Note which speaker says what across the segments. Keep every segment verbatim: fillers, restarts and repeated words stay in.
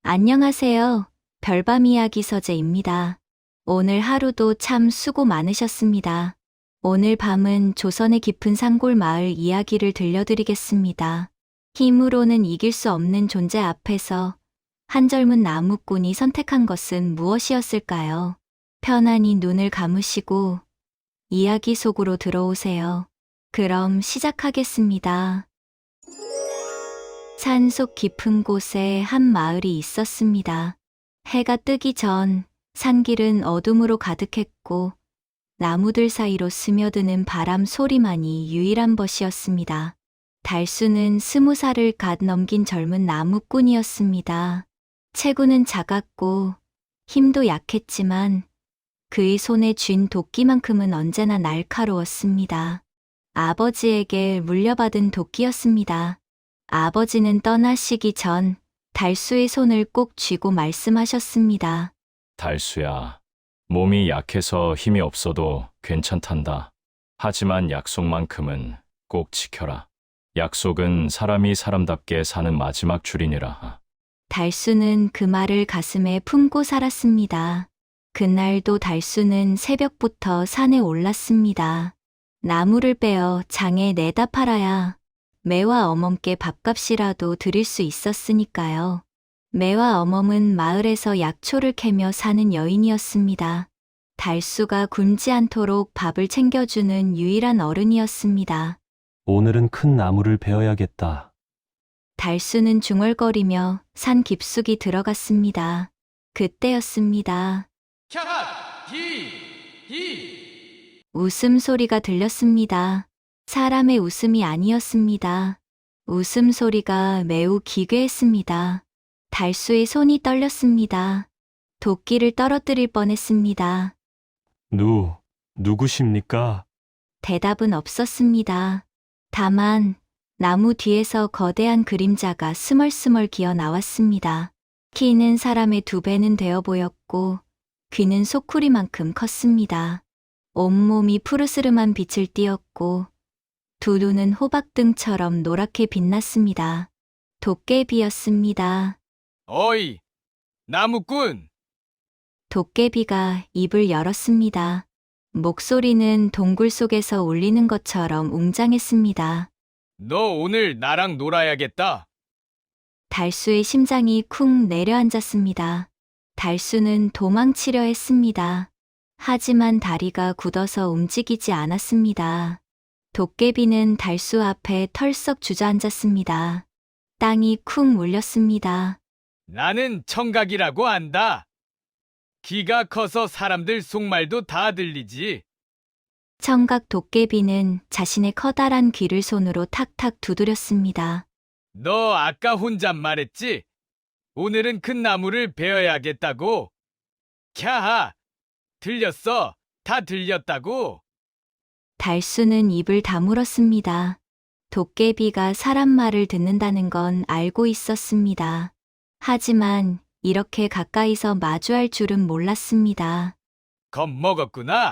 Speaker 1: 안녕하세요. 별밤 이야기 서재입니다. 오늘 하루도 참 수고 많으셨습니다. 오늘 밤은 조선의 깊은 산골 마을 이야기를 들려드리겠습니다. 힘으로는 이길 수 없는 존재 앞에서 한 젊은 나무꾼이 선택한 것은 무엇이었을까요? 편안히 눈을 감으시고 이야기 속으로 들어오세요. 그럼 시작하겠습니다. 산속 깊은 곳에 한 마을이 있었습니다. 해가 뜨기 전 산길은 어둠으로 가득했고 나무들 사이로 스며드는 바람 소리만이 유일한 것이었습니다. 달수는 스무 살을 갓 넘긴 젊은 나무꾼이었습니다. 체구는 작았고 힘도 약했지만 그의 손에 쥔 도끼만큼은 언제나 날카로웠습니다. 아버지에게 물려받은 도끼였습니다. 아버지는 떠나시기 전 달수의 손을 꼭 쥐고 말씀하셨습니다.
Speaker 2: 달수야, 몸이 약해서 힘이 없어도 괜찮단다. 하지만 약속만큼은 꼭 지켜라. 약속은 사람이 사람답게 사는 마지막 줄이니라.
Speaker 1: 달수는 그 말을 가슴에 품고 살았습니다. 그날도 달수는 새벽부터 산에 올랐습니다. 나무를 베어 장에 내다 팔아야 매와 어멈께 밥값이라도 드릴 수 있었으니까요. 매와 어멈은 마을에서 약초를 캐며 사는 여인이었습니다. 달수가 굶지 않도록 밥을 챙겨주는 유일한 어른이었습니다.
Speaker 3: 오늘은 큰 나무를 베어야겠다.
Speaker 1: 달수는 중얼거리며 산 깊숙이 들어갔습니다. 그때였습니다.
Speaker 4: 캬! 히! 히!
Speaker 1: 웃음소리가 들렸습니다. 사람의 웃음이 아니었습니다. 웃음소리가 매우 기괴했습니다. 달수의 손이 떨렸습니다. 도끼를 떨어뜨릴 뻔했습니다.
Speaker 3: 누, 누구십니까?
Speaker 1: 대답은 없었습니다. 다만 나무 뒤에서 거대한 그림자가 스멀스멀 기어 나왔습니다. 키는 사람의 두 배는 되어 보였고 귀는 소쿠리만큼 컸습니다. 온몸이 푸르스름한 빛을 띠었고 두 눈은 호박등처럼 노랗게 빛났습니다. 도깨비였습니다.
Speaker 4: 어이! 나무꾼!
Speaker 1: 도깨비가 입을 열었습니다. 목소리는 동굴 속에서 울리는 것처럼 웅장했습니다.
Speaker 4: 너 오늘 나랑 놀아야겠다.
Speaker 1: 달수의 심장이 쿵 내려앉았습니다. 달수는 도망치려 했습니다. 하지만 다리가 굳어서 움직이지 않았습니다. 도깨비는 달수 앞에 털썩 주저앉았습니다. 땅이 쿵 울렸습니다.
Speaker 4: 나는 청각이라고 안다. 귀가 커서 사람들 속말도 다 들리지.
Speaker 1: 청각 도깨비는 자신의 커다란 귀를 손으로 탁탁 두드렸습니다.
Speaker 4: 너 아까 혼잣말했지? 오늘은 큰 나무를 베어야겠다고. 캬하! 들렸어. 다 들렸다고.
Speaker 1: 달수는 입을 다물었습니다. 도깨비가 사람 말을 듣는다는 건 알고 있었습니다. 하지만 이렇게 가까이서 마주할 줄은 몰랐습니다.
Speaker 4: 겁먹었구나.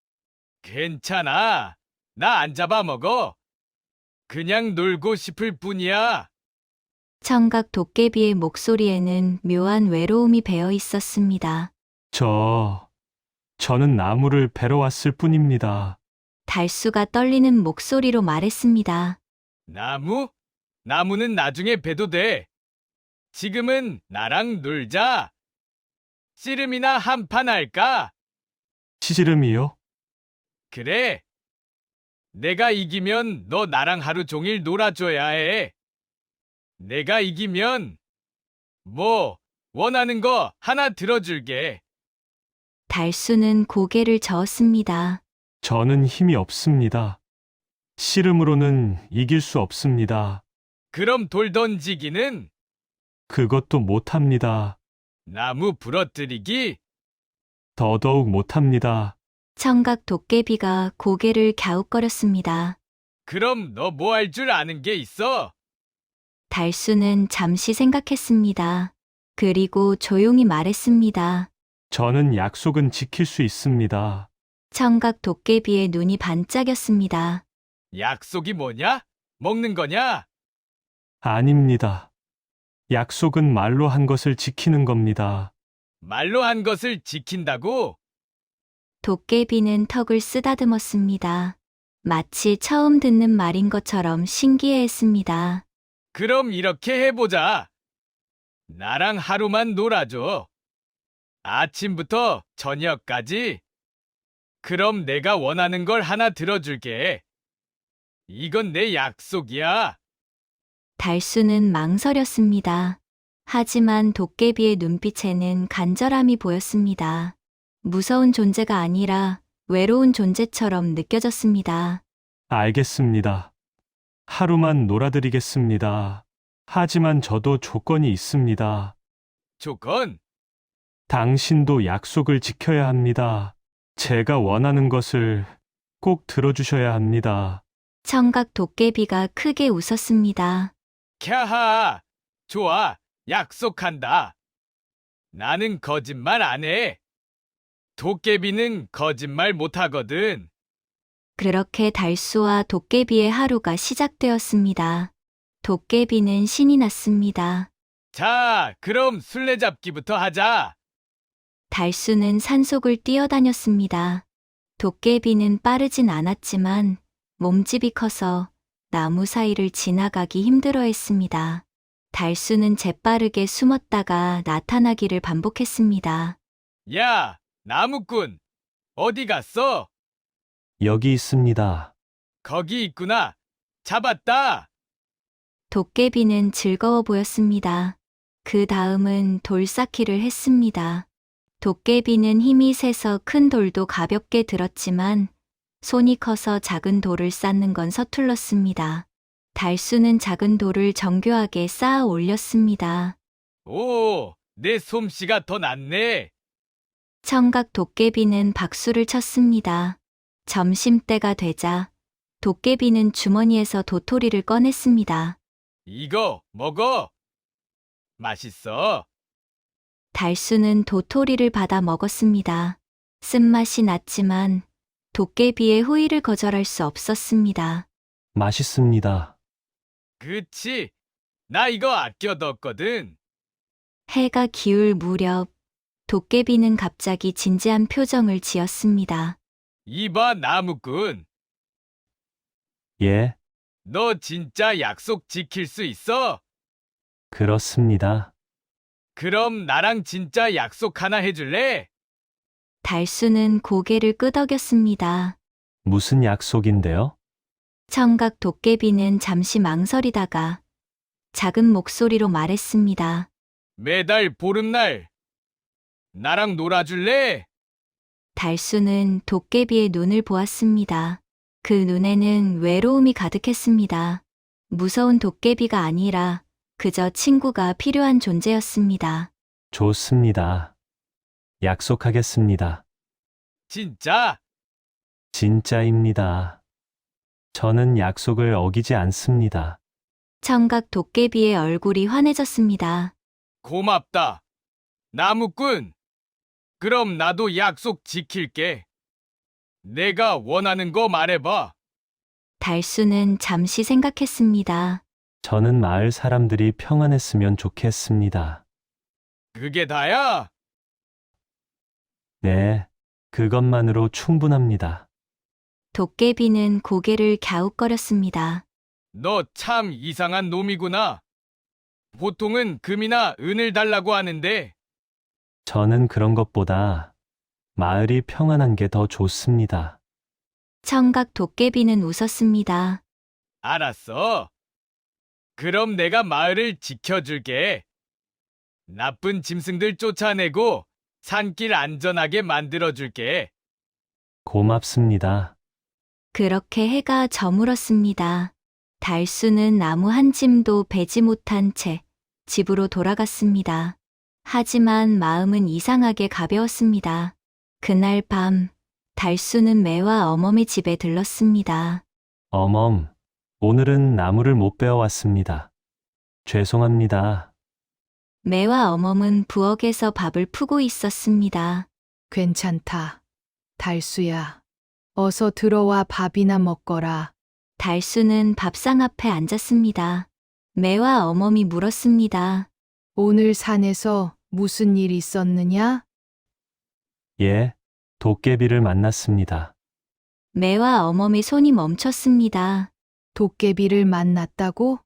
Speaker 4: 괜찮아. 나 안 잡아먹어. 그냥 놀고 싶을 뿐이야.
Speaker 1: 청각 도깨비의 목소리에는 묘한 외로움이 배어 있었습니다.
Speaker 3: 저, 저는 나무를 베러 왔을 뿐입니다.
Speaker 1: 달수가 떨리는 목소리로 말했습니다.
Speaker 4: 나무? 나무는 나중에 베도 돼. 지금은 나랑 놀자. 씨름이나 한판 할까?
Speaker 3: 시지름이요?
Speaker 4: 그래. 내가 이기면 너 나랑 하루 종일 놀아줘야 해. 내가 이기면 뭐 원하는 거 하나 들어줄게.
Speaker 1: 달수는 고개를 저었습니다.
Speaker 3: 저는 힘이 없습니다. 씨름으로는 이길 수 없습니다.
Speaker 4: 그럼 돌 던지기는?
Speaker 3: 그것도 못합니다.
Speaker 4: 나무 부러뜨리기?
Speaker 3: 더더욱 못합니다.
Speaker 1: 청각 도깨비가 고개를 갸웃거렸습니다.
Speaker 4: 그럼 너 뭐 할 줄 아는 게 있어?
Speaker 1: 달수는 잠시 생각했습니다. 그리고 조용히 말했습니다.
Speaker 3: 저는 약속은 지킬 수 있습니다.
Speaker 1: 청각 도깨비의 눈이 반짝였습니다.
Speaker 4: 약속이 뭐냐? 먹는 거냐?
Speaker 3: 아닙니다. 약속은 말로 한 것을 지키는 겁니다.
Speaker 4: 말로 한 것을 지킨다고?
Speaker 1: 도깨비는 턱을 쓰다듬었습니다. 마치 처음 듣는 말인 것처럼 신기해했습니다.
Speaker 4: 그럼 이렇게 해보자. 나랑 하루만 놀아줘. 아침부터 저녁까지. 그럼 내가 원하는 걸 하나 들어줄게. 이건 내 약속이야.
Speaker 1: 달수는 망설였습니다. 하지만 도깨비의 눈빛에는 간절함이 보였습니다. 무서운 존재가 아니라 외로운 존재처럼 느껴졌습니다.
Speaker 3: 알겠습니다. 하루만 놀아드리겠습니다. 하지만 저도 조건이 있습니다.
Speaker 4: 조건?
Speaker 3: 당신도 약속을 지켜야 합니다. 제가 원하는 것을 꼭 들어주셔야 합니다.
Speaker 1: 청각 도깨비가 크게 웃었습니다.
Speaker 4: 캬하! 좋아, 약속한다. 나는 거짓말 안 해. 도깨비는 거짓말 못 하거든.
Speaker 1: 그렇게 달수와 도깨비의 하루가 시작되었습니다. 도깨비는 신이 났습니다.
Speaker 4: 자, 그럼 술래잡기부터 하자.
Speaker 1: 달수는 산속을 뛰어다녔습니다. 도깨비는 빠르진 않았지만 몸집이 커서 나무 사이를 지나가기 힘들어했습니다. 달수는 재빠르게 숨었다가 나타나기를 반복했습니다.
Speaker 4: 야, 나무꾼, 어디 갔어?
Speaker 3: 여기 있습니다.
Speaker 4: 거기 있구나. 잡았다.
Speaker 1: 도깨비는 즐거워 보였습니다. 그 다음은 돌쌓기를 했습니다. 도깨비는 힘이 세서 큰 돌도 가볍게 들었지만 손이 커서 작은 돌을 쌓는 건 서툴렀습니다. 달수는 작은 돌을 정교하게 쌓아 올렸습니다.
Speaker 4: 오, 내 솜씨가 더 낫네.
Speaker 1: 청각 도깨비는 박수를 쳤습니다. 점심때가 되자 도깨비는 주머니에서 도토리를 꺼냈습니다.
Speaker 4: 이거 먹어. 맛있어.
Speaker 1: 달수는 도토리를 받아 먹었습니다. 쓴맛이 났지만 도깨비의 호의를 거절할 수 없었습니다.
Speaker 3: 맛있습니다.
Speaker 4: 그치. 나 이거 아껴 넣었거든.
Speaker 1: 해가 기울 무렵 도깨비는 갑자기 진지한 표정을 지었습니다.
Speaker 4: 이봐, 나무꾼.
Speaker 3: 예,
Speaker 4: 너 진짜 약속 지킬 수 있어?
Speaker 3: 그렇습니다.
Speaker 4: 그럼 나랑 진짜 약속 하나 해줄래?
Speaker 1: 달수는 고개를 끄덕였습니다.
Speaker 3: 무슨 약속인데요?
Speaker 1: 청각 도깨비는 잠시 망설이다가 작은 목소리로 말했습니다.
Speaker 4: 매달 보름날 나랑 놀아줄래?
Speaker 1: 달수는 도깨비의 눈을 보았습니다. 그 눈에는 외로움이 가득했습니다. 무서운 도깨비가 아니라 그저 친구가 필요한 존재였습니다.
Speaker 3: 좋습니다. 약속하겠습니다.
Speaker 4: 진짜?
Speaker 3: 진짜입니다. 저는 약속을 어기지 않습니다.
Speaker 1: 청각 도깨비의 얼굴이 환해졌습니다.
Speaker 4: 고맙다. 나무꾼. 그럼 나도 약속 지킬게. 내가 원하는 거 말해봐.
Speaker 1: 달수는 잠시 생각했습니다.
Speaker 3: 저는 마을 사람들이 평안했으면 좋겠습니다.
Speaker 4: 그게 다야?
Speaker 3: 네, 그것만으로 충분합니다.
Speaker 1: 도깨비는 고개를 갸웃거렸습니다.
Speaker 4: 너 참 이상한 놈이구나. 보통은 금이나 은을 달라고 하는데
Speaker 3: 저는 그런 것보다 마을이 평안한 게 더 좋습니다.
Speaker 1: 청각 도깨비는 웃었습니다.
Speaker 4: 알았어. 그럼 내가 마을을 지켜줄게. 나쁜 짐승들 쫓아내고 산길 안전하게 만들어줄게.
Speaker 3: 고맙습니다.
Speaker 1: 그렇게 해가 저물었습니다. 달수는 나무 한 짐도 베지 못한 채 집으로 돌아갔습니다. 하지만 마음은 이상하게 가벼웠습니다. 그날 밤, 달수는 매와 어멈의 집에 들렀습니다.
Speaker 3: 어멈, 오늘은 나무를 못 베어왔습니다. 죄송합니다.
Speaker 1: 매와 어멈은 부엌에서 밥을 푸고 있었습니다.
Speaker 5: 괜찮다. 달수야. 어서 들어와 밥이나 먹거라.
Speaker 1: 달수는 밥상 앞에 앉았습니다. 매와 어멈이 물었습니다.
Speaker 5: 오늘 산에서 무슨 일 있었느냐?
Speaker 3: 예, 도깨비를 만났습니다.
Speaker 1: 매와 어멈의 손이 멈췄습니다.
Speaker 5: 도깨비를 만났다고?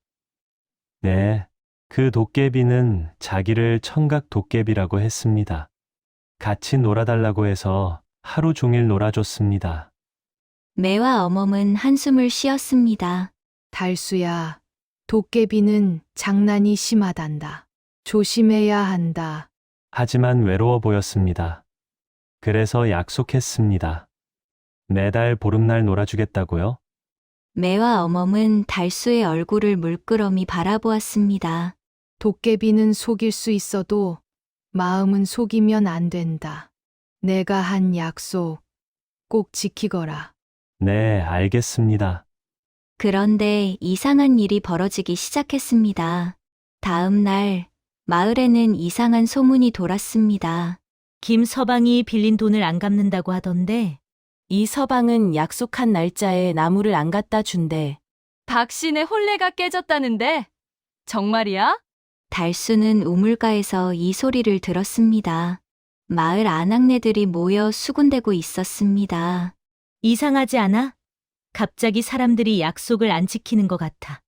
Speaker 3: 네, 그 도깨비는 자기를 청각 도깨비라고 했습니다. 같이 놀아달라고 해서 하루 종일 놀아줬습니다.
Speaker 1: 매와 어멈은 한숨을 쉬었습니다.
Speaker 5: 달수야, 도깨비는 장난이 심하단다. 조심해야 한다.
Speaker 3: 하지만 외로워 보였습니다. 그래서 약속했습니다. 매달 보름날 놀아주겠다고요?
Speaker 1: 매와 어멈은 달수의 얼굴을 물끄러미 바라보았습니다.
Speaker 5: 도깨비는 속일 수 있어도 마음은 속이면 안 된다. 내가 한 약속 꼭 지키거라.
Speaker 3: 네, 알겠습니다.
Speaker 1: 그런데 이상한 일이 벌어지기 시작했습니다. 다음 날, 마을에는 이상한 소문이 돌았습니다.
Speaker 6: 김서방이 빌린 돈을 안 갚는다고 하던데
Speaker 7: 이 서방은 약속한 날짜에 나무를 안 갖다 준대.
Speaker 8: 박신의 혼례가 깨졌다는데? 정말이야?
Speaker 1: 달수는 우물가에서 이 소리를 들었습니다. 마을 아낙네들이 모여 수군대고 있었습니다.
Speaker 6: 이상하지 않아? 갑자기 사람들이 약속을 안 지키는 것 같아.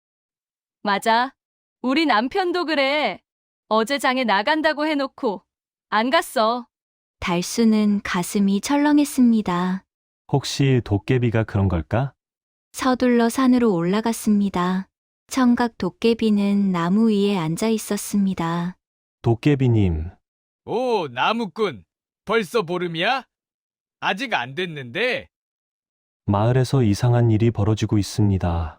Speaker 8: 맞아. 우리 남편도 그래. 어제 장에 나간다고 해놓고 안 갔어.
Speaker 1: 달수는 가슴이 철렁했습니다.
Speaker 3: 혹시 도깨비가 그런 걸까?
Speaker 1: 서둘러 산으로 올라갔습니다. 청각 도깨비는 나무 위에 앉아 있었습니다.
Speaker 3: 도깨비님,
Speaker 4: 오, 나무꾼. 벌써 보름이야? 아직 안 됐는데.
Speaker 3: 마을에서 이상한 일이 벌어지고 있습니다.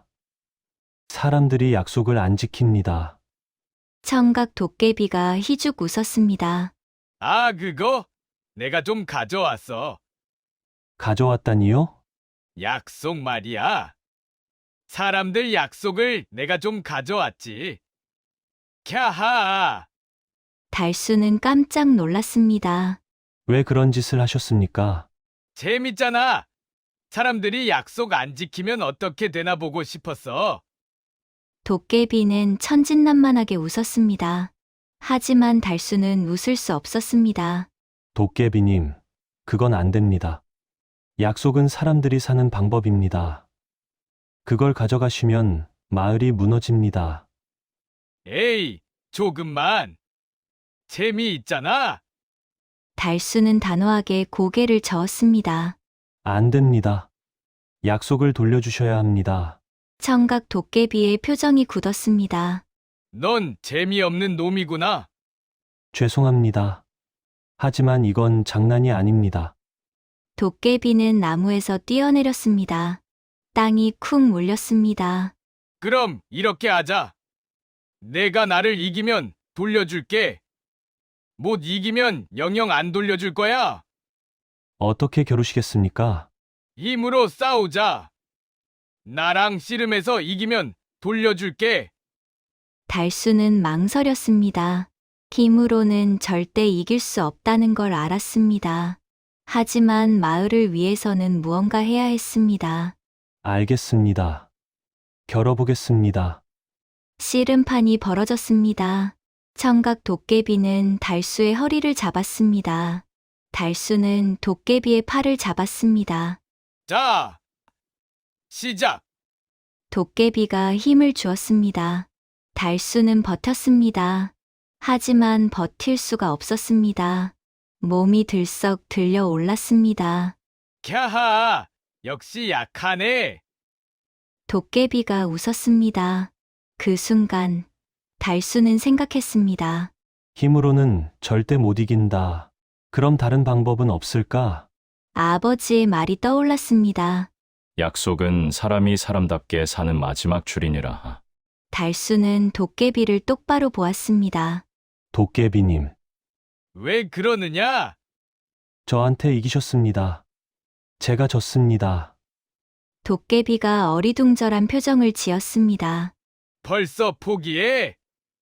Speaker 3: 사람들이 약속을 안 지킵니다.
Speaker 1: 청각 도깨비가 희죽 웃었습니다.
Speaker 4: 아, 그거? 내가 좀 가져왔어.
Speaker 3: 가져왔다니요?
Speaker 4: 약속 말이야. 사람들 약속을 내가 좀 가져왔지. 캬하!
Speaker 1: 달수는 깜짝 놀랐습니다.
Speaker 3: 왜 그런 짓을 하셨습니까?
Speaker 4: 재밌잖아. 사람들이 약속 안 지키면 어떻게 되나 보고 싶었어.
Speaker 1: 도깨비는 천진난만하게 웃었습니다. 하지만 달수는 웃을 수 없었습니다.
Speaker 3: 도깨비님, 그건 안 됩니다. 약속은 사람들이 사는 방법입니다. 그걸 가져가시면 마을이 무너집니다.
Speaker 4: 에이, 조금만. 재미있잖아.
Speaker 1: 달수는 단호하게 고개를 저었습니다.
Speaker 3: 안 됩니다. 약속을 돌려주셔야 합니다.
Speaker 1: 청각 도깨비의 표정이 굳었습니다.
Speaker 4: 넌 재미없는 놈이구나.
Speaker 3: 죄송합니다. 하지만 이건 장난이 아닙니다.
Speaker 1: 도깨비는 나무에서 뛰어내렸습니다. 땅이 쿵 울렸습니다.
Speaker 4: 그럼 이렇게 하자. 내가 나를 이기면 돌려줄게. 못 이기면 영영 안 돌려줄 거야.
Speaker 3: 어떻게 겨루시겠습니까?
Speaker 4: 힘으로 싸우자. 나랑 씨름해서 이기면 돌려줄게.
Speaker 1: 달수는 망설였습니다. 힘으로는 절대 이길 수 없다는 걸 알았습니다. 하지만 마을을 위해서는 무언가 해야 했습니다.
Speaker 3: 알겠습니다. 겨뤄보겠습니다.
Speaker 1: 씨름판이 벌어졌습니다. 청각 도깨비는 달수의 허리를 잡았습니다. 달수는 도깨비의 팔을 잡았습니다.
Speaker 4: 자, 시작.
Speaker 1: 도깨비가 힘을 주었습니다. 달수는 버텼습니다. 하지만 버틸 수가 없었습니다. 몸이 들썩 들려 올랐습니다.
Speaker 4: 캬하, 역시 약하네.
Speaker 1: 도깨비가 웃었습니다. 그 순간 달수는 생각했습니다.
Speaker 3: 힘으로는 절대 못 이긴다. 그럼 다른 방법은 없을까?
Speaker 1: 아버지의 말이 떠올랐습니다.
Speaker 2: 약속은 사람이 사람답게 사는 마지막 줄이니라.
Speaker 1: 달수는 도깨비를 똑바로 보았습니다.
Speaker 3: 도깨비님,
Speaker 4: 왜 그러느냐?
Speaker 3: 저한테 이기셨습니다. 제가 졌습니다.
Speaker 1: 도깨비가 어리둥절한 표정을 지었습니다.
Speaker 4: 벌써 포기해?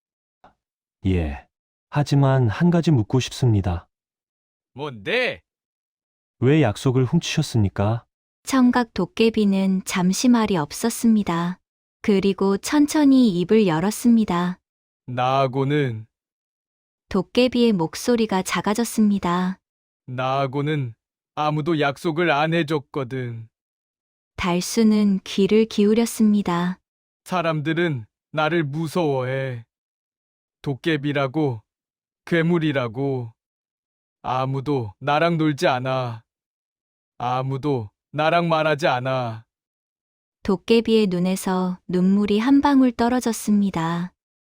Speaker 3: 예. 하지만 한 가지 묻고 싶습니다.
Speaker 4: 뭔데?
Speaker 3: 왜 약속을 훔치셨습니까?
Speaker 1: 청각 도깨비는 잠시 말이 없었습니다. 그리고 천천히 입을 열었습니다.
Speaker 4: 나하고는,
Speaker 1: 도깨비의 목소리가 작아졌습니다.
Speaker 4: 나하고는 아무도 약속을 안 해줬거든.
Speaker 1: 달수는 귀를 기울였습니다.
Speaker 4: 사람들은 나를 무서워해. 도깨비라고, 괴물이라고. 아무도 나랑 놀지 않아. 아무도 나랑 말하지 않아.
Speaker 1: 도깨비의 눈에서 눈물이 한 방울 떨어졌습니다.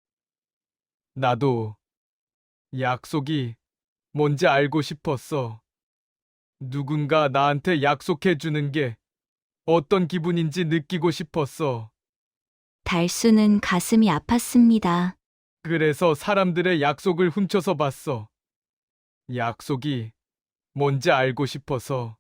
Speaker 4: 나도 약속이 뭔지 알고 싶었어. 누군가 나한테 약속해 주는 게 어떤 기분인지 느끼고 싶었어.
Speaker 1: 달수는 가슴이 아팠습니다.
Speaker 4: 그래서 사람들의 약속을 훔쳐서 봤어. 약속이 뭔지 알고 싶어서.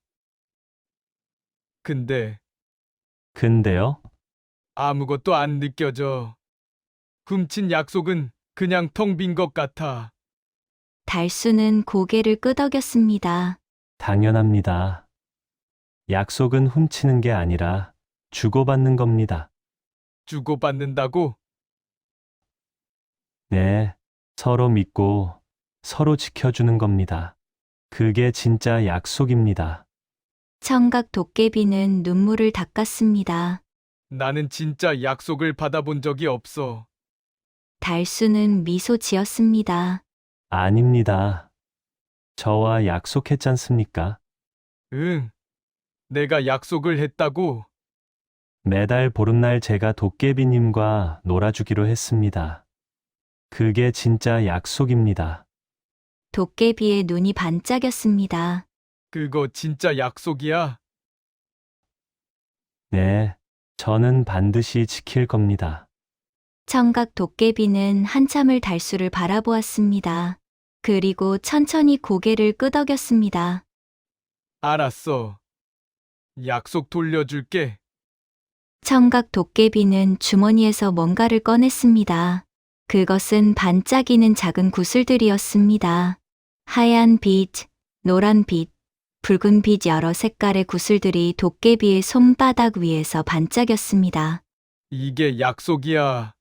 Speaker 4: 근데
Speaker 3: 근데요?
Speaker 4: 아무것도 안 느껴져. 훔친 약속은 그냥 텅 빈 것 같아.
Speaker 1: 달수는 고개를 끄덕였습니다.
Speaker 3: 당연합니다. 약속은 훔치는 게 아니라 주고받는 겁니다.
Speaker 4: 주고받는다고?
Speaker 3: 네, 서로 믿고 서로 지켜주는 겁니다. 그게 진짜 약속입니다.
Speaker 1: 청각 도깨비는 눈물을 닦았습니다.
Speaker 4: 나는 진짜 약속을 받아본 적이 없어.
Speaker 1: 달수는 미소 지었습니다.
Speaker 3: 아닙니다. 저와 약속했잖습니까?
Speaker 4: 응. 내가 약속을 했다고?
Speaker 3: 매달 보름날 제가 도깨비님과 놀아주기로 했습니다. 그게 진짜 약속입니다.
Speaker 1: 도깨비의 눈이 반짝였습니다.
Speaker 4: 그거 진짜 약속이야?
Speaker 3: 네, 저는 반드시 지킬 겁니다.
Speaker 1: 청각 도깨비는 한참을 달수를 바라보았습니다. 그리고 천천히 고개를 끄덕였습니다.
Speaker 4: 알았어. 약속 돌려줄게.
Speaker 1: 청각 도깨비는 주머니에서 뭔가를 꺼냈습니다. 그것은 반짝이는 작은 구슬들이었습니다. 하얀 빛, 노란 빛, 붉은 빛 여러 색깔의 구슬들이 도깨비의 손바닥 위에서 반짝였습니다.
Speaker 4: 이게 약속이야.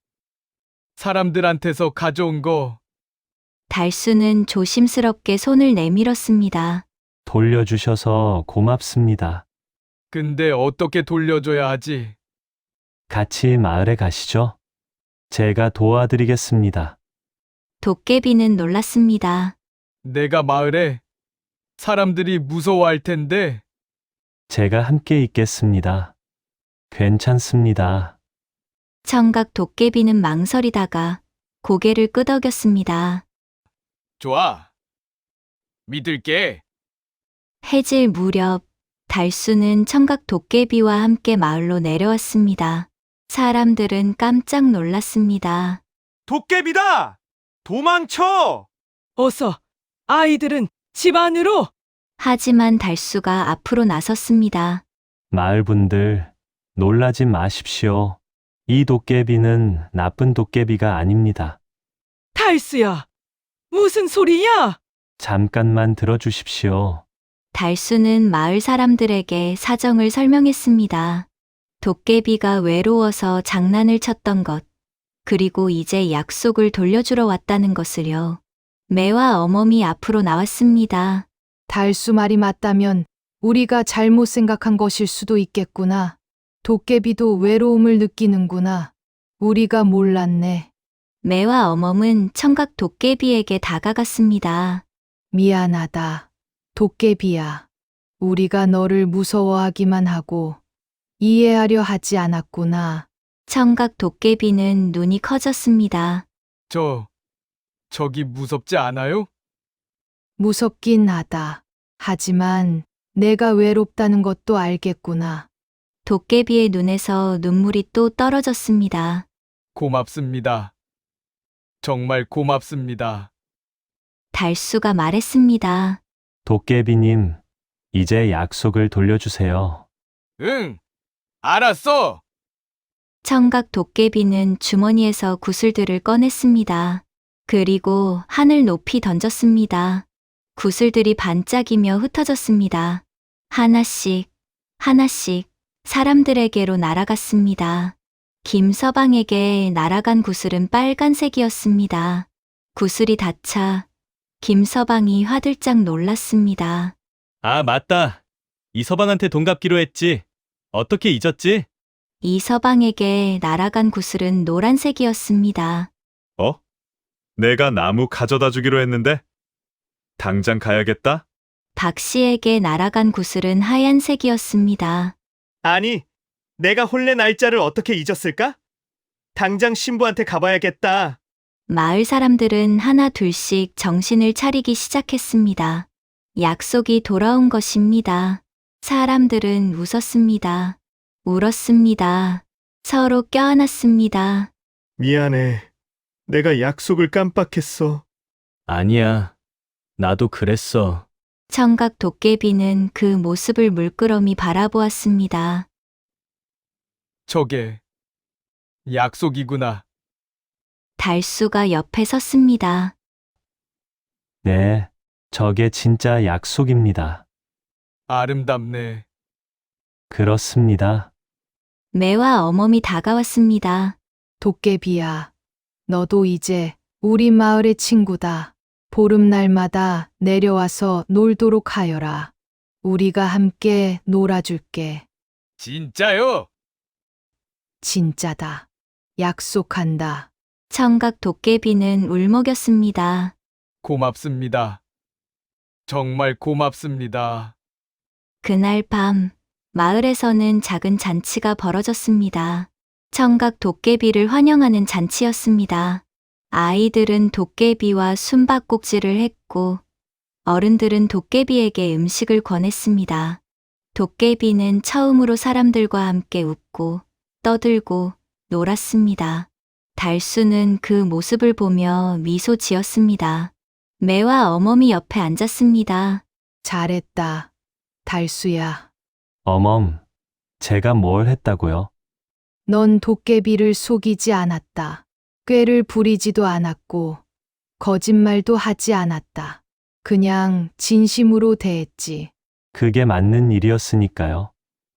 Speaker 4: 사람들한테서 가져온 거.
Speaker 1: 달수는 조심스럽게 손을 내밀었습니다.
Speaker 3: 돌려주셔서 고맙습니다.
Speaker 4: 근데 어떻게 돌려줘야 하지?
Speaker 3: 같이 마을에 가시죠. 제가 도와드리겠습니다.
Speaker 1: 도깨비는 놀랐습니다.
Speaker 4: 내가 마을에 사람들이 무서워할 텐데.
Speaker 3: 제가 함께 있겠습니다. 괜찮습니다.
Speaker 1: 청각 도깨비는 망설이다가 고개를 끄덕였습니다.
Speaker 4: 좋아. 믿을게.
Speaker 1: 해질 무렵 달수는 청각 도깨비와 함께 마을로 내려왔습니다. 사람들은 깜짝 놀랐습니다.
Speaker 9: 도깨비다! 도망쳐!
Speaker 10: 어서 아이들은 집 안으로!
Speaker 1: 하지만 달수가 앞으로 나섰습니다.
Speaker 3: 마을 분들, 놀라지 마십시오. 이 도깨비는 나쁜 도깨비가 아닙니다.
Speaker 10: 달수야! 무슨 소리야?
Speaker 3: 잠깐만 들어주십시오.
Speaker 1: 달수는 마을 사람들에게 사정을 설명했습니다. 도깨비가 외로워서 장난을 쳤던 것, 그리고 이제 약속을 돌려주러 왔다는 것을요. 매와 어멈이 앞으로 나왔습니다.
Speaker 5: 달수 말이 맞다면 우리가 잘못 생각한 것일 수도 있겠구나. 도깨비도 외로움을 느끼는구나. 우리가 몰랐네.
Speaker 1: 매와 어멈은 청각 도깨비에게 다가갔습니다.
Speaker 5: 미안하다. 도깨비야. 우리가 너를 무서워하기만 하고 이해하려 하지 않았구나.
Speaker 1: 청각 도깨비는 눈이 커졌습니다.
Speaker 4: 저, 저기 무섭지 않아요?
Speaker 5: 무섭긴 하다. 하지만 내가 외롭다는 것도 알겠구나.
Speaker 1: 도깨비의 눈에서 눈물이 또 떨어졌습니다.
Speaker 4: 고맙습니다. 정말 고맙습니다.
Speaker 1: 달수가 말했습니다.
Speaker 3: 도깨비님, 이제 약속을 돌려주세요.
Speaker 4: 응, 알았어.
Speaker 1: 청각 도깨비는 주머니에서 구슬들을 꺼냈습니다. 그리고 하늘 높이 던졌습니다. 구슬들이 반짝이며 흩어졌습니다. 하나씩, 하나씩 사람들에게로 날아갔습니다. 김서방에게 날아간 구슬은 빨간색이었습니다. 구슬이 닿자 김서방이 화들짝 놀랐습니다.
Speaker 9: 아, 맞다. 이서방한테 돈 갚기로 했지. 어떻게 잊었지?
Speaker 1: 이서방에게 날아간 구슬은 노란색이었습니다.
Speaker 11: 어? 내가 나무 가져다 주기로 했는데? 당장 가야겠다?
Speaker 1: 박 씨에게 날아간 구슬은 하얀색이었습니다.
Speaker 9: 아니, 내가 혼례 날짜를 어떻게 잊었을까? 당장 신부한테 가봐야겠다.
Speaker 1: 마을 사람들은 하나 둘씩 정신을 차리기 시작했습니다. 약속이 돌아온 것입니다. 사람들은 웃었습니다. 울었습니다. 서로 껴안았습니다.
Speaker 9: 미안해. 내가 약속을 깜빡했어.
Speaker 3: 아니야. 나도 그랬어.
Speaker 1: 청각 도깨비는 그 모습을 물끄러미 바라보았습니다.
Speaker 4: 저게 약속이구나.
Speaker 1: 달수가 옆에 섰습니다.
Speaker 3: 네, 저게 진짜 약속입니다.
Speaker 4: 아름답네.
Speaker 3: 그렇습니다.
Speaker 1: 매와 어멈이 다가왔습니다.
Speaker 5: 도깨비야, 너도 이제 우리 마을의 친구다. 보름날마다 내려와서 놀도록 하여라. 우리가 함께 놀아줄게.
Speaker 4: 진짜요?
Speaker 5: 진짜다. 약속한다.
Speaker 1: 청각 도깨비는 울먹였습니다.
Speaker 4: 고맙습니다. 정말 고맙습니다.
Speaker 1: 그날 밤 마을에서는 작은 잔치가 벌어졌습니다. 청각 도깨비를 환영하는 잔치였습니다. 아이들은 도깨비와 숨바꼭질을 했고 어른들은 도깨비에게 음식을 권했습니다. 도깨비는 처음으로 사람들과 함께 웃고 떠들고 놀았습니다. 달수는 그 모습을 보며 미소 지었습니다. 매와 어멈이 옆에 앉았습니다.
Speaker 5: 잘했다. 달수야.
Speaker 3: 어멈, 제가 뭘 했다고요?
Speaker 5: 넌 도깨비를 속이지 않았다. 꾀를 부리지도 않았고 거짓말도 하지 않았다. 그냥 진심으로 대했지.
Speaker 3: 그게 맞는 일이었으니까요.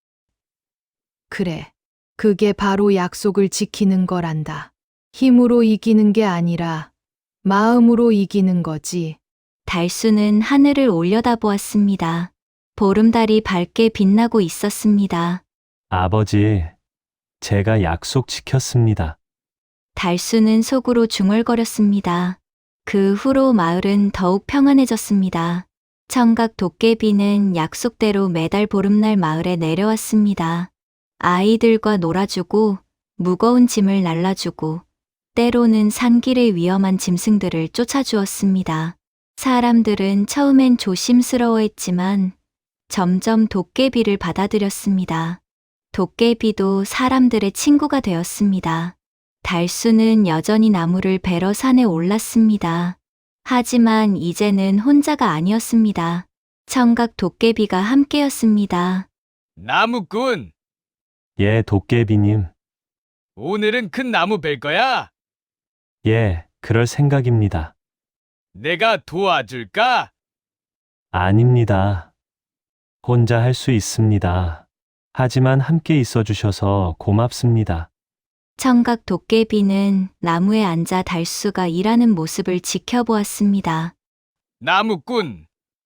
Speaker 5: 그래. 그게 바로 약속을 지키는 거란다. 힘으로 이기는 게 아니라 마음으로 이기는 거지.
Speaker 1: 달수는 하늘을 올려다보았습니다. 보름달이 밝게 빛나고 있었습니다.
Speaker 3: 아버지, 제가 약속 지켰습니다.
Speaker 1: 달수는 속으로 중얼거렸습니다. 그 후로 마을은 더욱 평안해졌습니다. 청각 도깨비는 약속대로 매달 보름날 마을에 내려왔습니다. 아이들과 놀아주고 무거운 짐을 날라주고 때로는 산길의 위험한 짐승들을 쫓아주었습니다. 사람들은 처음엔 조심스러워했지만 점점 도깨비를 받아들였습니다. 도깨비도 사람들의 친구가 되었습니다. 달수는 여전히 나무를 베러 산에 올랐습니다. 하지만 이제는 혼자가 아니었습니다. 청각 도깨비가 함께였습니다.
Speaker 4: 나무꾼,
Speaker 3: 예, 도깨비님.
Speaker 4: 오늘은 큰 나무 벨 거야?
Speaker 3: 예, 그럴 생각입니다.
Speaker 4: 내가 도와줄까?
Speaker 3: 아닙니다. 혼자 할 수 있습니다. 하지만 함께 있어 주셔서 고맙습니다.
Speaker 1: 청각 도깨비는 나무에 앉아 달수가 일하는 모습을 지켜보았습니다.
Speaker 4: 나무꾼,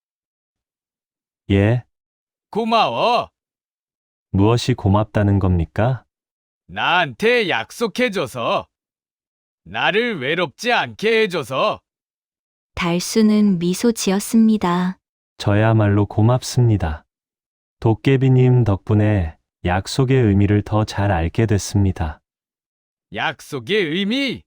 Speaker 3: 예,
Speaker 4: 고마워.
Speaker 3: 무엇이 고맙다는 겁니까?
Speaker 4: 나한테 약속해줘서. 나를 외롭지 않게 해줘서.
Speaker 1: 달수는 미소 지었습니다.
Speaker 3: 저야말로 고맙습니다. 도깨비님 덕분에 약속의 의미를 더 잘 알게 됐습니다.
Speaker 4: 약속의 의미?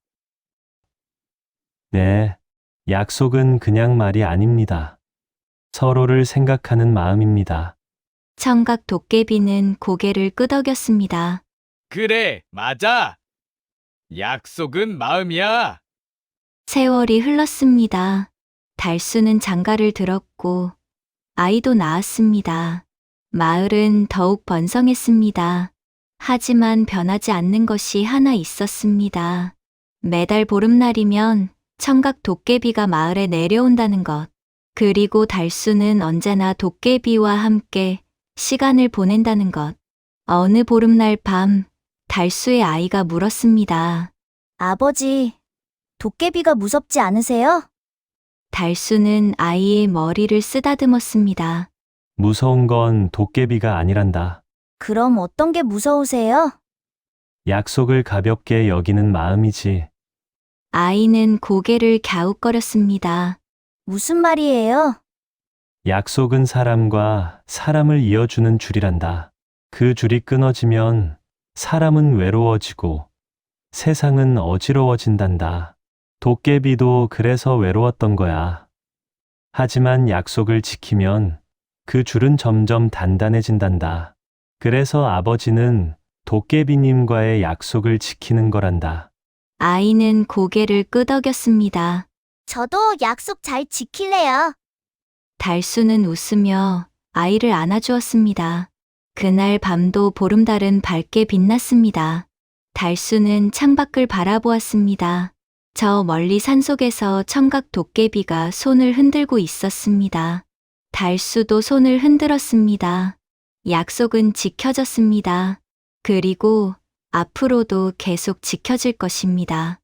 Speaker 3: 네, 약속은 그냥 말이 아닙니다. 서로를 생각하는 마음입니다.
Speaker 1: 청각 도깨비는 고개를 끄덕였습니다.
Speaker 4: 그래, 맞아. 약속은 마음이야.
Speaker 1: 세월이 흘렀습니다. 달수는 장가를 들었고 아이도 낳았습니다. 마을은 더욱 번성했습니다. 하지만 변하지 않는 것이 하나 있었습니다. 매달 보름날이면 청각 도깨비가 마을에 내려온다는 것. 그리고 달수는 언제나 도깨비와 함께 시간을 보낸다는 것. 어느 보름날 밤, 달수의 아이가 물었습니다.
Speaker 12: 아버지, 도깨비가 무섭지 않으세요?
Speaker 1: 달수는 아이의 머리를 쓰다듬었습니다.
Speaker 3: 무서운 건 도깨비가 아니란다.
Speaker 12: 그럼 어떤 게 무서우세요?
Speaker 3: 약속을 가볍게 여기는 마음이지.
Speaker 1: 아이는 고개를 갸웃거렸습니다.
Speaker 12: 무슨 말이에요?
Speaker 3: 약속은 사람과 사람을 이어주는 줄이란다. 그 줄이 끊어지면 사람은 외로워지고 세상은 어지러워진단다. 도깨비도 그래서 외로웠던 거야. 하지만 약속을 지키면 그 줄은 점점 단단해진단다. 그래서 아버지는 도깨비님과의 약속을 지키는 거란다.
Speaker 1: 아이는 고개를 끄덕였습니다.
Speaker 12: 저도 약속 잘 지킬래요.
Speaker 1: 달수는 웃으며 아이를 안아주었습니다. 그날 밤도 보름달은 밝게 빛났습니다. 달수는 창밖을 바라보았습니다. 저 멀리 산속에서 청각 도깨비가 손을 흔들고 있었습니다. 달수도 손을 흔들었습니다. 약속은 지켜졌습니다. 그리고 앞으로도 계속 지켜질 것입니다.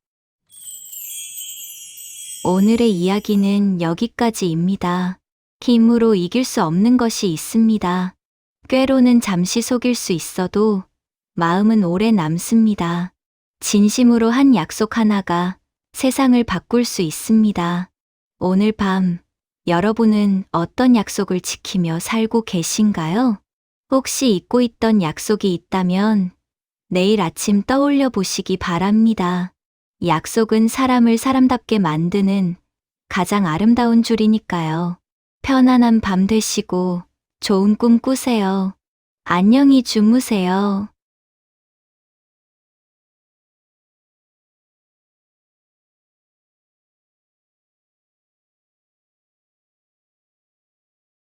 Speaker 1: 오늘의 이야기는 여기까지입니다. 힘으로 이길 수 없는 것이 있습니다. 꾀로는 잠시 속일 수 있어도 마음은 오래 남습니다. 진심으로 한 약속 하나가 세상을 바꿀 수 있습니다. 오늘 밤 여러분은 어떤 약속을 지키며 살고 계신가요? 혹시 잊고 있던 약속이 있다면 내일 아침 떠올려 보시기 바랍니다. 약속은 사람을 사람답게 만드는 가장 아름다운 줄이니까요. 편안한 밤 되시고 좋은 꿈 꾸세요. 안녕히 주무세요.